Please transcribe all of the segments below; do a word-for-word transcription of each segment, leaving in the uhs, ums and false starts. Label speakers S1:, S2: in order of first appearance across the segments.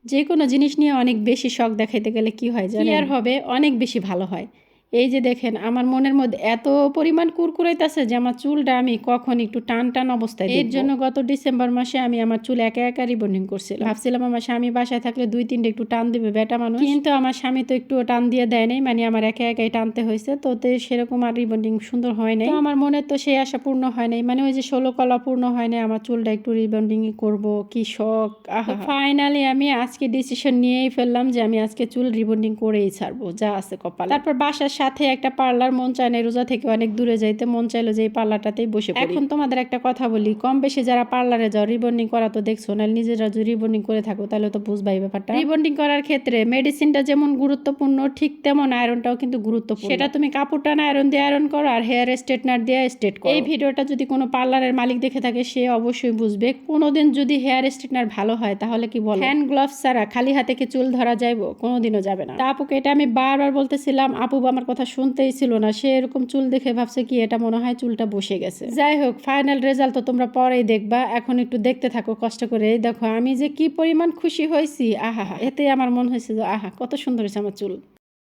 S1: যে কোনো জিনিস নিয়ে অনেক বেশি শখ দেখাইতে গেলে কি হয় জানেন? কি আর হবে, অনেক বেশি ভালো হয়। এই যে দেখেন আমার মনের মধ্যে এত পরিমাণ কুরকুরাইতেছে যে আমার চুলটা আমি কখন একটু টান টান অবস্থায় দেখব। এর জন্য গত ডিসেম্বর মাসে আমি আমার চুল একা একা রিবন্ডিং করছিলাম। ভাবছিলাম আমার স্বামী বাসায় থাকলে দুই তিনটে একটু টান দিবে বেটা মানুষ, কিন্তু আমার স্বামী তো একটু টান দিয়ে দেয় নাই, মানে আমার একা একাই টানতে হয়েছে। তো সেরকম আর রিবন্ডিং সুন্দর হয় নাই। তো আমার মনে তো সেই আশা পূর্ণ হয় নাই, মানে ওই যে ষোলো কলা পূর্ণ হয় নাই, আমার চুলটা একটু রিবন্ডিং করব, কি শখ। ফাইনালি আমি আজকে ডিসিশন নিয়েই ফেললাম যে আমি আজকে চুল রিবন্ডিং করেই ছাড়বো, যা আছে কপালে। তারপর বাসার সাথে একটা পার্লার, মন চায় না রোজা থেকে অনেক দূরে যাইতে, মন চাইলো যে এই পার্লারটাতেই বসে পড়ি। এখন তোমাদের একটা কথা বলি, কম বেশি যারা পার্লারে যাও রিবন্ডিং করা তো দেখছো, না নিজেরা যদি রিবন্ডিং করে থাকো তাহলে তো বুঝবাই ব্যাপারটা। রিবন্ডিং করার ক্ষেত্রে মেডিসিনটা যেমন গুরুত্বপূর্ণ, ঠিক তেমন আয়রনটাও কিন্তু গুরুত্বপূর্ণ। সেটা তুমি কাপড় টানা আয়রন দিয়ে আয়রন করো আর হেয়ার স্ট্রেটনার দিয়ে স্ট্রেট করো। এই ভিডিওটা যদি কোনো পার্লারের মালিক দেখে থাকে সে অবশ্যই বুঝবে। কোনোদিন যদি হেয়ার স্ট্রেটনার ভালো হয় তাহলে কি বল, হ্যান্ড গ্লাভস ছাড়া খালি হাতে কি চুল ধরা যাইবো? কোনোদিনও যাবে না। তা আপুকে এটা আমি বারবার বলতেছিলাম, আপু আমার কথা শুনতেই ছিল না। সে এরকম চুল দেখে ভাবছে কি এটা মনে হয় চুলটা বসে গেছে। যাই হোক, ফাইনাল রেজাল্ট তো তোমরা পরেই দেখবা, এখন একটু দেখতে থাকো কষ্ট করে। এই দেখো আমি যে কি পরিমাণ খুশি হয়েছি, আহা, এতে আমার মনে হয়েছে যে আহা কত সুন্দর হয়েছে আমার চুল।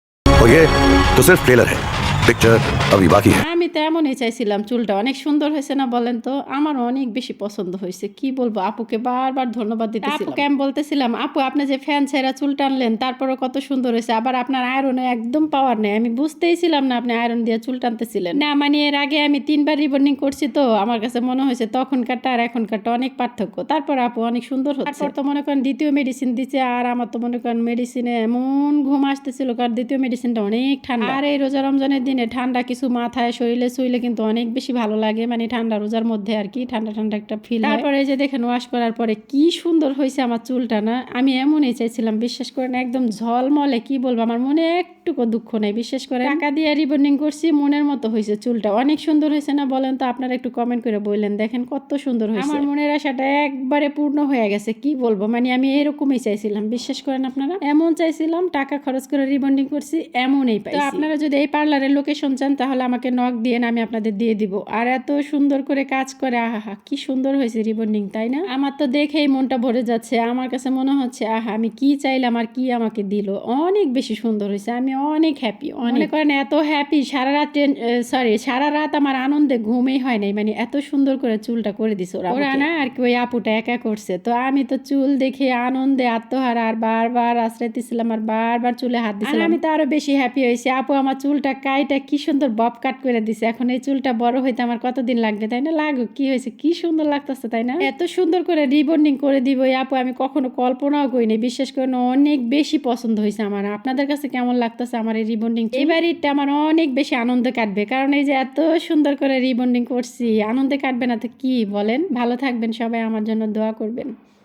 S2: তো সির্ফ ট্রেলার হ্যায়, পিকচার আভি বাকি হ্যায়।
S1: আমি তো এমনই চাইছিলাম, চুলটা অনেক সুন্দর হয়েছে না বলেন তো? আমার অনেক বেশি পছন্দ হয়েছে, কি বলবো। আপুকে বারবার ধন্যবাদ দিতেছিলাম। আপুকে আমি বলতেছিলাম, আপু আপনি যে ফ্যান ছেঁড়া চুল টানলেন তারপরও কত সুন্দর হয়েছে, আবার আপনার আয়রনে একদম পাওয়ার নেই। আমি বুঝতেই ছিলাম না আপনি আয়রন দিয়ে চুল টানতেছিলেন। না মানে এর আগে আমি তিনবার রিবন্ডিং করছি, তো আমার কাছে মনে হয়েছে তখনকারটা আর এখনকারটা অনেক পার্থক্য। তারপর আপু অনেক সুন্দর হচ্ছে। তারপর তো মনে করেন দ্বিতীয় মেডিসিন দিচ্ছে, আর আমার তো মনে করেন মেডিসিনে এমন ঘুম আসতেছিল, কারণ দ্বিতীয় মেডিসিনটা অনেক ঠান্ডা। আর এই রোজা রমজানের দিনে ঠান্ডা কিছু মাথায় শরীরে শুইলে কিন্তু অনেক বেশি ভালো লাগে, মানে ঠান্ডা রোজার মধ্যে আর কি ঠান্ডা ঠান্ডা একটা ফিল। তারপরে এই যে দেখেন ওয়াশ করার পরে কি সুন্দর হয়েছে আমার চুলটা, না আমি এমনই চাইছিলাম, বিশ্বাস করেন একদম ঝলমলে। কি বলবো, আমার মনে একটুকু দুঃখ নেই। বিশেষ করে টাকা দিয়ে রিবন্ডিং করছি, মনের মতো হয়েছে চুলটা, অনেক সুন্দর হয়েছে না বলেন তো? আপনারা একটু কমেন্ট করে বললেন, দেখেন কত সুন্দর হয়েছে। আমার মনের আশাটা একবারে পূর্ণ হয়ে গেছে। কি বলবো, মানে আমি এরকমই চাইছিলাম, বিশ্বাস করেন আপনারা, এমন চাইছিলাম, টাকা খরচ করে রিবন্ডিং করছি, এমনই পাইছি। তো আপনারা যদি এই পার্লারের লোকেশন চান তাহলে আমাকে নক দিয়ে আমি আপনাদের দিয়ে দিব। আর এত সুন্দর করে কাজ করে, আহা কি সুন্দর হয়েছে রিবন্ডিং, তাই না? আমার তো দেখেই মনটা ভরে যাচ্ছে। আমার কাছে মনে হচ্ছে আহা আমি কি চাইলাম আর কি আমাকে দিল। অনেক বেশি সুন্দর হয়েছে, আমি অনেক হ্যাপি। মনে করেন এত হ্যাপি, সারা রাত সরি সারা রাত আমার আনন্দে ঘুমই হয় নাই, মানে এত সুন্দর করে চুলটা করে দিছে ওরা। ওরা না আর কি ওই আপুটা একা করছে। তো আমি তো চুল দেখে আনন্দে আত্মহারা, আর বারবার আশ্রাইতেছিলাম আর বারবার চুলে হাত দিছিলাম। আমি তো আরো বেশি হ্যাপি হয়েছি। আপু আমার চুলটা কাইটা কি সুন্দর বব কাট করে দিছে। এখন এই চুলটা বড় হইতে আমার কতদিন লাগবে, তাই না? লাগুক, কি হয়েছে, কি সুন্দর লাগতেছে, তাই না? এত সুন্দর করে রিবন্ডিং করে দিব এই আপু আমি কখনো কল্পনাও করিনি। বিশ্বাস করেন অনেক বেশি পছন্দ হয়েছে আমার। আপনাদের কাছে কেমন লাগতেছে আমার এই রিবন্ডিং? এবার এটা আমার অনেক বেশি আনন্দ কাটবে, কারণ এই যে এত সুন্দর করে রিবন্ডিং করছি, আনন্দে কাটবে না তো কি বলেন? ভালো থাকবেন সবাই, আমার জন্য দোয়া করবেন।